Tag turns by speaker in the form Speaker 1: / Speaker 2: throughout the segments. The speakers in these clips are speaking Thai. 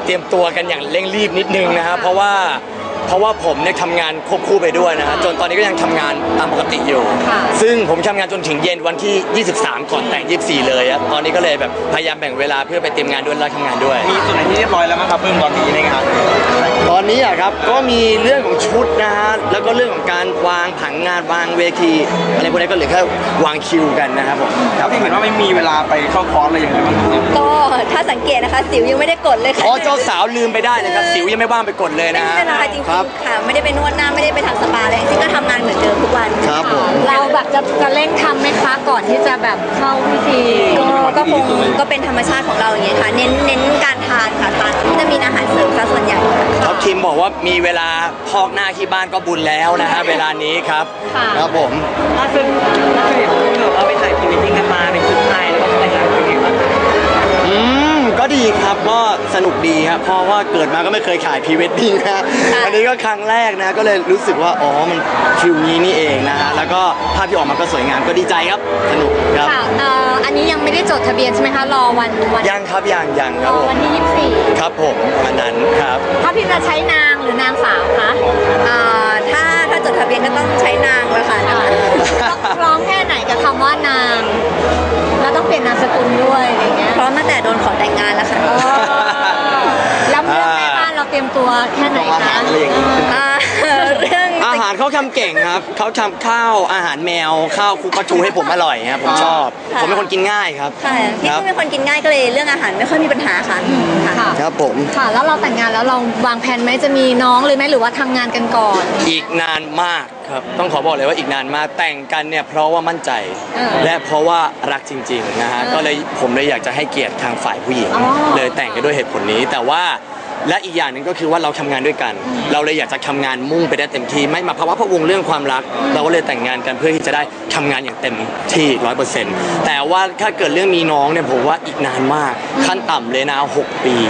Speaker 1: เตรียมตัวกันอย่างเร่งรีบนิดนึงนะครับเพราะว่าผมเนี่ยทำงานควบคู่ไปด้วยนะฮะจนตอนนี้ก็ยังทำงานตามปกติอยู่ซึ่งผมทำงานจนถึงเย็นวันที่23ก่อนแต่ง24เลยอะตอนนี้ก็เลยแบบพยายามแบ่งเวลาเพื่อไปเตรียมงานด้วยแล้วทำงานด้วย
Speaker 2: มีส่วนไหนที่เรียบร้อยแล้วมั้งครับเพิ่มตอนนี้ในงาน
Speaker 1: ตอนนี้อะครับก็มีเรื่องของชุดนะฮะแล้วก็เรื่องของการวางผังงานวางเวทีอะไรพวกนี้ก็เหลือแค่วางคิวกันนะครับผม
Speaker 2: ครับที่เห็นว่าไม่มีเวลาไปเข้าคอร์สอะไรอย่างเงี้ย
Speaker 3: ก็ถ้าสังเกตนะคะสิวยังไม่ได้กดเลยค่ะ
Speaker 1: เจ้าสาวลืมไปได้เลยครับสิวยังไม่ว่างไปกดเลยนะ
Speaker 3: ไม่เป็นไรจริงๆค่ะไม่ได้ไปนวดหน้าไม่ได้ไปทำสปาอะไรจริงๆก็ทำงานเหมือนเดิมทุกวัน
Speaker 1: ครับผม
Speaker 4: เราแบบจะเร่งทำไหมคะก่อนที่จะแบบเข้าพิธี
Speaker 3: ก็คงก็เป็นธรรมชาติของเราอย่างเงี้ยค่ะเน้นการทานค่ะทานจะมีอาหารเสริมซะส่วนใหญ่
Speaker 1: ครับทีมบอกว่ามีเวลาพอกหน้าที่บ้านก็บุญแล้วนะฮะเวลานี้ครับครับผม
Speaker 5: ล่าสุดเราไปถ่ายพรีเวดดิ้งกันมาเป็นชุดไทยแล้วก็แต่งงานเป็นยังไงบ้าง
Speaker 1: ก็ดีครับก็สนุกดีครับเพราะว่าเกิดมาก็ไม่เคยถ่ายพรีเวดดิ้งนะอันนี้ก็ครั้งแรกนะก็เลยรู้สึกว่าอ๋อมันฟิลนี้นี่เองนะฮะแล้วก็ภาพที่ออกมาก็สวยงามก็ดีใจครับสนุกครับ
Speaker 4: อันนี้ยังไม่ได้จดทะเบียนใช่ไหมคะรอวัน
Speaker 1: ยังครับยังครับ
Speaker 4: วันที่24
Speaker 1: ครับผมวันนั้นครับ
Speaker 4: ถ้าพี่จะใช้นางหรือนางสาวคะ
Speaker 3: ถ้าจดทะเบียนก็ต้องใช้นางเลยค่ะ
Speaker 4: ต้องร้องแค่ไหนกับคำว่านางแล้วต้องเปลี่ยนนามสกุลด้วยอะไรเงี้ย
Speaker 3: เพราะตั้งแต่โดนขอแต่งงานแล้วค่ะ
Speaker 4: แล้วเรื่องแม่บ้านเราเตรียมตัวแค่ไหนคะ
Speaker 3: เรื่อง
Speaker 1: อาหารเขาทำเก่งครับเขาทำข้าวอาหารแมวข้าวคุกปลาทูให้ผมอร่อยครับผมชอบผมเป็นคนกินง่ายครับ
Speaker 3: ค่ะพี่ก็เป็นคนกินง่ายก็เลยเรื่องอาหารไม่ค่อยมีปัญหาค่ะ
Speaker 1: ครับผม
Speaker 4: ค่ะแล้วเราแต่งงานแล้วเราวางแผนไหมจะมีน้องเลยไหมหรือว่าทำงานกันก่อน
Speaker 1: อีกนานมากครับต้องขอบอกเลยว่าอีกนานมากแต่งกันเนี่ยเพราะว่ามั่นใจและเพราะว่ารักจริงๆนะฮะก็เลยผมเลยอยากจะให้เกียรติทางฝ่ายผู้หญิงเลยแต่งกันด้วยเหตุผลนี้แต่ว่าและอีกอย่างหนึ่งก็คือว่าเราทำงานด้วยกันเราเลยอยากจะทำงานมุ่งไปได้เต็มที่ไม่มาภาวะพะวงเรื่องความรักเราก็เลยแต่งงานกันเพื่อที่จะได้ทำงานอย่างเต็มที่ 100% แต่ว่าถ้าเกิดเรื่องมีน้องเนี่ยผมว่าอีกนานมากขั้นต่ำเลยนะ6 ปี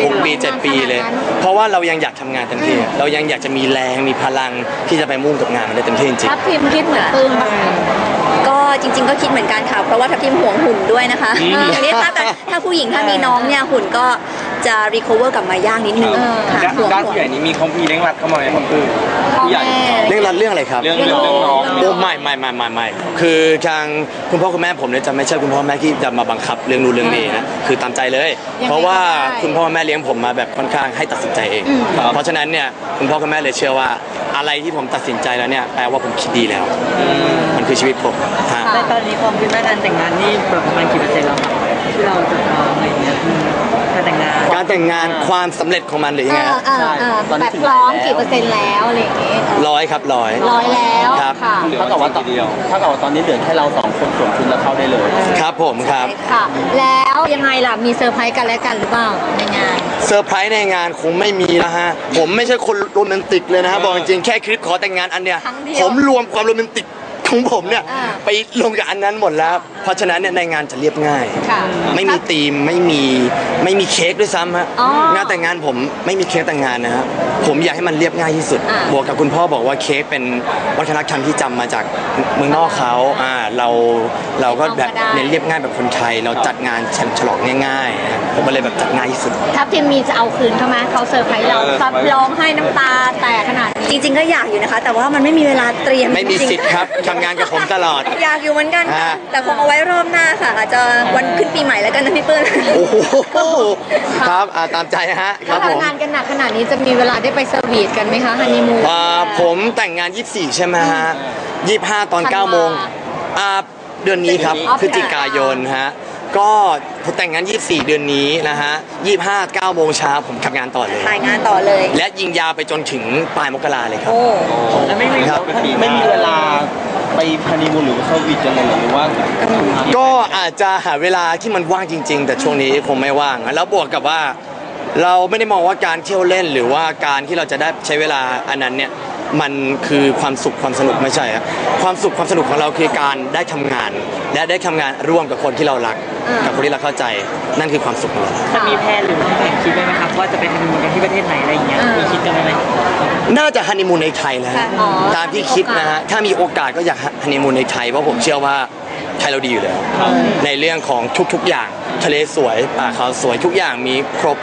Speaker 1: 7 ปีเลยเพราะว่าเรายังอยากทำงานเต็มที่เรายังอยากจะมีแรงมีพลังที่จะไปมุ่งกับงานมันได้เต็มที่จริง
Speaker 4: ๆทัพทิมคิดเหมือนปื้ม
Speaker 3: ก็จริงๆก็คิดเหมือนกันค่ะเพราะว่าทัพทิมห่วงหุ่นด้วยนะคะอย่างนี้ถ้าผู้หญิงถ้ามีน้องเนี่ยหุ่นก็จะรีคอเวอร์กลับมายากนิดนึง
Speaker 2: ด้านผู้ใหญ่นี้มีของพี่เร่งรัดเข้ามาไหมครับผู้ใหญ่
Speaker 1: เร่งรัดเรื่องอะไรครับ
Speaker 2: เรื่องน้อง
Speaker 1: โอ้ไม่คือทางคุณพ่อคุณแม่ผมเนี่ยจะไม่ใช่คุณพ่อแม่ที่จะมาบังคับเรื่องนู้นเรื่องนี้นะคือตามใจเลยเพราะว่าคุณพ่อแม่เลี้ยงผมมาแบบค่อนข้างให้ตัดสินใจเองเพราะฉะนั้นเนี่ยคุณพ่อคุณแม่เลยเชื่อว่าอะไรที่ผมตัดสินใจแล้วเนี่ยแปลว่าผมคิดดีแล้วมันคือชีวิตผม
Speaker 5: แต่ตอนนี้ความคิดว่าการแต่งงานนี่ประมาณกี่เปอร์เซ็นต์แล้วครับที่เราจะอะไรเงี้ยการแต่งงาน
Speaker 1: ความสำเร็จของมันหรือยังไง
Speaker 4: แบบพร้อมกี่เปอร์เซ็นต์แล้วอะไรอย่างงี้
Speaker 1: 100ครับ100
Speaker 4: แล้วค่ะ
Speaker 2: เท่ากับว่าตอนนี้เหลือแค่เรา2 คนสวมชุดแล้วเข้าได้เลย
Speaker 1: ครับผมครับ
Speaker 4: ค่ะแล้วยังไงล่ะมีเซอร์ไพรส์กันและกันหรือเปล่าในงาน
Speaker 1: เซอร์ไพรส์ในงานคงไม่มีนะฮะผมไม่ใช่คนโรแมนติกเลยนะฮะบอกจริงแค่คลิปขอแต่งงานอันเนี้ยผมรวมความโรแมนติกของผมเนี่ยไปลงกับอันนั้นหมดแล้วเพราะฉะนั้นเนี่ยในงานจะเรียบง่ายไม่มีธีมไม่มีเค้กด้วยซ้ำฮะงานแต่งงานผมไม่มีเค้กแต่งงานนะฮะผมอยากให้มันเรียบง่ายที่สุดบวกกับคุณพ่อบอกว่าเค้กเป็นวัฒนธรรมที่จำมาจากเมืองนอกเขาเราก็แบบเน้นเรียบง่ายแบบคนไทยเราจัดงานฉลองง่ายๆผมก็เลยแบบจัดง่ายที่สุด
Speaker 4: ถ้าพิมมีจะเอาคืนเขาไหมเขาเซอร์ไพรส์เราซับร้องให้น้ำตาแตกขนาด
Speaker 3: จริงๆก็อยากอยู่นะคะแต่ว่ามันไม่มีเวลาเตรียม
Speaker 1: ไม่มีสิทธิ์ครับทำงานกับผมตลอด
Speaker 3: อยากอยู่เหมือนกันค่ะแต่คงเอาไว้รอบหน้าค่ะอาจจะวันขึ้นปีใหม่แล้วกันนะพี่เปิ้ล
Speaker 1: โอ้โหครับตามใจฮะ
Speaker 4: ถ้าทำงานกันหนักขนาดนี้จะมีเวลาได้ไปสวีทกันไหมคะฮันนีมูน
Speaker 1: ผมแต่งงาน24ใช่ไหมฮะ25ตอน9 โมงเดือนนี้ครับพฤศจิกายนฮะก็ผมแต่งงาน24เดือนนี้นะฮะ25 9 โมงเช้าผมทำงานต่อเลย
Speaker 3: ถ่ายงานต่อเลย
Speaker 1: และยิงยาวไปจนถึงปลายมกราเลยครับ
Speaker 2: แล้วไม่มีเวลาไปฮันนีมูนหรือสวีทกันเลยหรือว่า
Speaker 1: ก็อาจจะหาเวลาที่มันว่างจริงๆแต่ช่วงนี้คงไม่ว่างแล้วบวกกับว่าเราไม่ได้มองว่าการเที่ยวเล่นหรือว่าการที่เราจะได้ใช้เวลาอันนั้นเนี่ยมันคือความสุขความสนุกไม่ใช่ครับความสุขความสนุกของเราคือการได้ทำงานและได้ทำงานร่วมกับคนที่เรารักกับคนที่เราเข้าใจนั่นคือความสุขของเรา
Speaker 5: จะมีแพลนหรือวางแผนคิดไว้ไหมครับว่าจะไปฮันนีมูนกันที่ประเทศไหนอะไรอย่างเงี้ยมีคิดกันไหม
Speaker 1: น่าจะฮันนีมูนในไทยแล้วตามที่คิดนะฮะถ้ามีโอกาสก็อยากฮันนีมูนในไทยเพราะผมเชื่อว่าไทยเราดีอยู่แล้วในเรื่องของทุกๆอย่างทะเลสวยป่าเขาสวยทุกอย่างมีครบ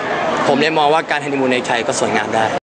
Speaker 1: ผมเลยมองว่าการฮันนีมูนในไทยก็สวยงามได้